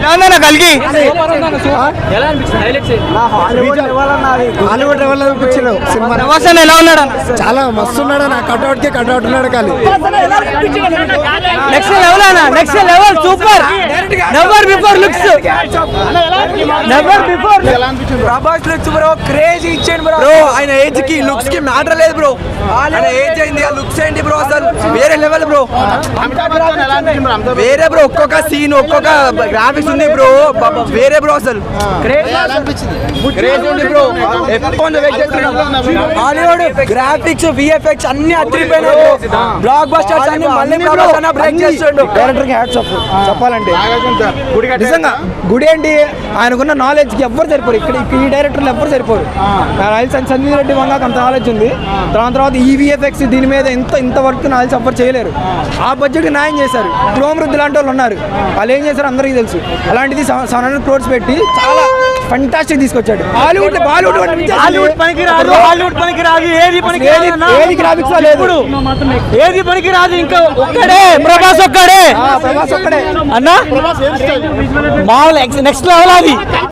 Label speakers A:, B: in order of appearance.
A: కలిగి
B: Hollywood level అనిపించిన cinema.
A: ఎలా ఉన్నాడు?
B: చాలా మస్తు ఉన్నాడు. నా కట్అవుట్ కి కట్అవుట్ ఉన్నాడు. కానీ
A: నెక్స్ట్ లెవెల్ అన్న, next level super. Never before looks, never before.
C: Prabhas looks bro crazy ఇచ్చాడు బ్రో. ఆయన ఏజ్ కి లుక్స్ కి మ్యాటర్ లేదు బ్రో. ఆయన ఏజ్ అయింది, ఆ లుక్స్ ఏంటి బ్రో, అసలు వేరే లెవెల్ బ్రో. వేరే బ్రో, ఒక్కొక్క సీన్ ఒక్కొక్క గ్రాఫిక్స్ ఉంది బ్రో, వేరే బ్రో. అసలు క్రేజీ ఉంది బ్రో. హాలీవుడ్ గ్రాఫిక్స్ విఎఫ్ఎక్స్ అన్ని అదిరిపోయినాయి. బ్లాక్ బస్టర్స్ అన్ని మళ్ళీ బ్రేక్ చేస్తుండు.
B: డైరెక్టర్ కి హ్యాట్స్ ఆఫ్ చెప్పాలంటే. నిజంగా గుడి ఏంటి, ఆయనకున్న నాలెడ్జ్ కి ఎవ్వరు సరిపోరు. ఇక్కడ ఈ డైరెక్టర్లు ఎవ్వరు సరిపోరు. సంజీవ్ రెడ్డి వంగ అంత నాలెడ్జ్ ఉంది. దాని తర్వాత ఈ విఎఫ్ఎక్స్ దీని మీద ఇంత వర్క్ నాలెడ్జ్ ఎవ్వరు చేయలేరు. ఆ బడ్జెట్ న్యాయం చేశారు. క్రోమృద్ధి లాంటి వాళ్ళు ఉన్నారు, వాళ్ళు ఏం చేశారు అందరికీ తెలుసు. అలాంటిది 700 crores పెట్టి చాలా ఫంటాస్టిక్ తీసుకొచ్చాడు. హాలీవుడ్ బాలీవుడ్
A: పనికిరాదు, ఏది గ్రాఫిక్స్ లేదు, ఏది పనికిరాదు. ఇంకా ఒక్కడే ప్రభాస్, ఒక్కడే అన్నా మామూలు నెక్స్ట్ లెవెల్ అది.